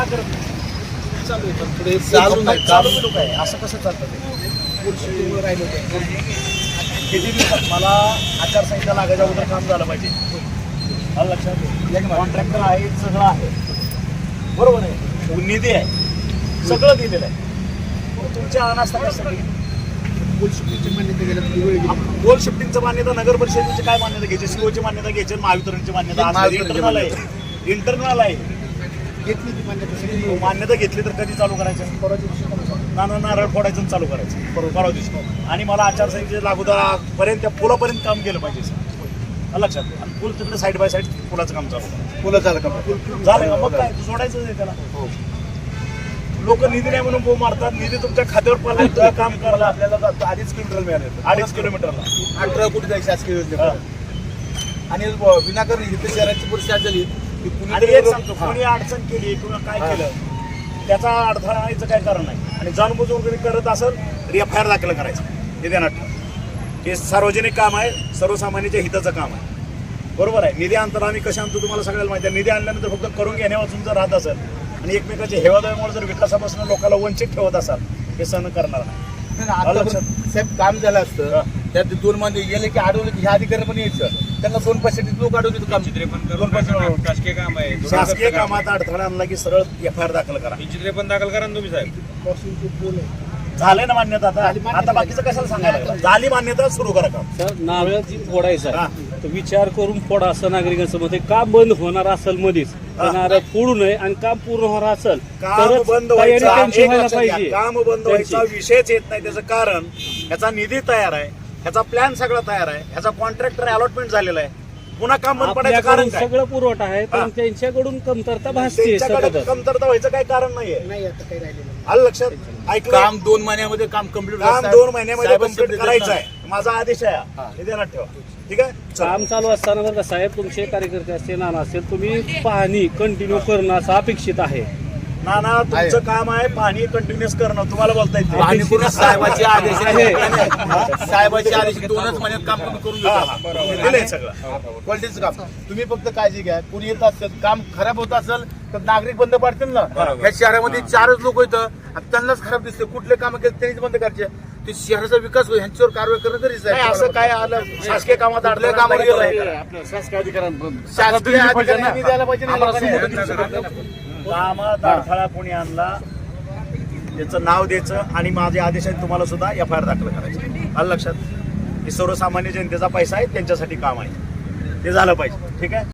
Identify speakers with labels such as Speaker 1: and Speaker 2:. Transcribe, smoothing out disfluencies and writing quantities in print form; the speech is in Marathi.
Speaker 1: करत नाही?
Speaker 2: चालू आहे, पण पुढे
Speaker 1: चालू
Speaker 2: नाही.
Speaker 1: चालू लोक आहे, असं कसं चालतं ते?
Speaker 2: पुढे राहिलं होतं.
Speaker 1: किती दिवसात मला आचारसंहिता लागायच्या अगोदर काम झालं पाहिजे. आलं लक्षात? कॉन्ट्रॅक्टर आहे, सगळं आहे, बरोबर आहे, निधी आहे, सगळं दिलेलं आहे. मग तुमच्या अनास्था कशासाठी?
Speaker 2: पोल शिफ्टिंगची मान्यता गेल्या
Speaker 1: गोल शिफ्टिंगचं मान्यता नगर परिषदेची काय मान्यता घ्यायची? सीओची मान्यता घ्यायची, महावितरणची मान्यता इंटरनल आहे. इंटरनल आहे.
Speaker 2: घेतली ती मान्यता सगळी.
Speaker 1: मान्यता घेतली तर कधी चालू करायचं?
Speaker 2: परवाच्या दिवशी चालू झालं.
Speaker 1: नारळ फोडायचं आणि चालू करायचं परवा दिवशी. आणि मला आचारसंहितेच्या लागोदापर्यंत त्या पुलापर्यंत काम केलं पाहिजे सर. लक्षात. आणि पूल तिकडे साईड बाय साईड पुलाचं काम चालू करायचं.
Speaker 2: पुलं झालं का?
Speaker 1: झालं का? मग काय सोडायचं नाही त्याला. लोक निधी नाही म्हणून बोंब मारतात. निधी तुमच्या खात्यावर पडला, काम करायला आपल्याला 2.5 किलोमीटर मिळाले. 2.5 किलोमीटरला
Speaker 2: 18 कोटी जायची शासकीय योजना. आणि विनाकारण इथे शहराची परिस्थिती झाली की
Speaker 1: आणि एक सांगतो, कोणी अडचण केली किंवा काय केलं त्याचा अडथळा आणायचं काय कारण नाही. आणि जाणबुजून कोणी करत असेल तर FIR दाखल करायचं. हे ध्यानात ठेवा. हे सार्वजनिक काम आहे, सर्वसामान्यांच्या हिताचं काम आहे, बरोबर आहे. निधी आणताना आम्ही कशा आणतो तुम्हाला सगळ्याला माहिती आहे. निधी आणल्यानंतर फक्त करून घेण्यापासून जर राहत असेल आणि एकमेकाच्या हेवादेवामुळे जर विकासापासून लोकांना वंचित ठेवत असाल, हे सहन करणार नाही.
Speaker 2: साहेब काम झालं असतं त्यात 2 महिने गेले की अडवलं की ह्या अधिकारी पण यायचं, त्यांना 2 पैशासाठी लोक अडवले काम.
Speaker 3: शासकीय काम आहे.
Speaker 1: शासकीय कामात अडथळा आणला की सरळ FIR दाखल करा.
Speaker 3: चित्रे पण दाखल करा ना तुम्ही साहेब.
Speaker 1: झाले ना मान्यता? आता बाकीचं कशाला सांगायला लागलं? झाली मान्यता, सुरू करा काम.
Speaker 4: सर नारळ जी फोडायचा आहे, तर विचार करून फोडा असं नागरिकांचं मत आहे. काम बंद होणार असेल मध्येच तर नारळ फोडू नये आणि काम पूर्ण होणार असेल
Speaker 1: काम
Speaker 4: तरच
Speaker 1: बंद
Speaker 4: तयारी
Speaker 1: व्हायचं,
Speaker 4: त्यांची
Speaker 1: एक
Speaker 4: व्हायला
Speaker 1: लक्षात घ्या,
Speaker 4: पाहिजे.
Speaker 1: काम बंद व्हायचा विषयच येत नाही. त्याचं कारण ह्याचा निधी तयार आहे, ह्याचा प्लॅन सगळा तयार आहे, ह्याचा कॉन्ट्रॅक्टर अलॉटमेंट झालेला आहे. पुन्हा काम बंद पडायचं कारण
Speaker 4: आपल्याकडून
Speaker 1: काय?
Speaker 4: सगळं पुरवठा आहे पण त्यांच्याकडून कमतरता भासते.
Speaker 1: त्यांच्याकडे कमतरता व्हायचं काही कारण नाहीये.
Speaker 2: नाही आता काही राहिलेलं नाही.
Speaker 1: आलं लक्षात? ऐकलं?
Speaker 2: काम 2 महिन्यामध्ये काम कम्प्लीट
Speaker 1: काम 2 महिन्यामध्ये कंप्लीट करायचं आहे. माझा आदेश आहे हा. हे ध्यानात ठेवा. ठीक आहे. चला.
Speaker 4: काम चालू असताना बरं का साहेब, तुमचे कार्यकर्ते असतील, नाना असेल, तुम्ही पाहणी कंटिन्यू करणं असं अपेक्षित आहे.
Speaker 1: नाना तुमचं काम आहे पाणी कंटिन्युअस करणं. तुम्हाला बोलता येते
Speaker 2: आणि पूर्ण साहेबाचे आदेश साहेबाचे आदेश 2च महिन्यात काम तुम्ही करून घेता.
Speaker 1: दिलंय सगळं.
Speaker 2: क्वालिटीचं काम. तुम्ही फक्त काळजी घ्या. कुणी येत असेल काम खराब होत असेल तर नागरिक बंद पाडतील ना. ह्या शहरामध्ये 4च लोक येतं आणि त्यांनाच खराब दिसते. कुठले काम केले त्यांनीच बंद करायचे. ते शहराचा विकास होईल ह्यांच्यावर कारवाई करणं गरजेचं
Speaker 1: नाही, असं काय आलं शासकीय कामात
Speaker 2: आपल्या
Speaker 1: अडथळा
Speaker 2: कामावर गेलं
Speaker 1: नाही.
Speaker 2: आहे. शासकीय अधिकाऱ्यांनी द्यायला पाहिजे ना लोकांनी.
Speaker 1: कामात अडथळा कोणी आणला त्याचं नाव द्यायचं आणि माझे आदेश आहेत तुम्हाला सुद्धा FIR दाखल करायचे. आलं लक्षात? हे सर्वसामान्य जनतेचा पैसा आहे, त्यांच्यासाठी काम आहे, ते झालं पाहिजे. ठीक आहे.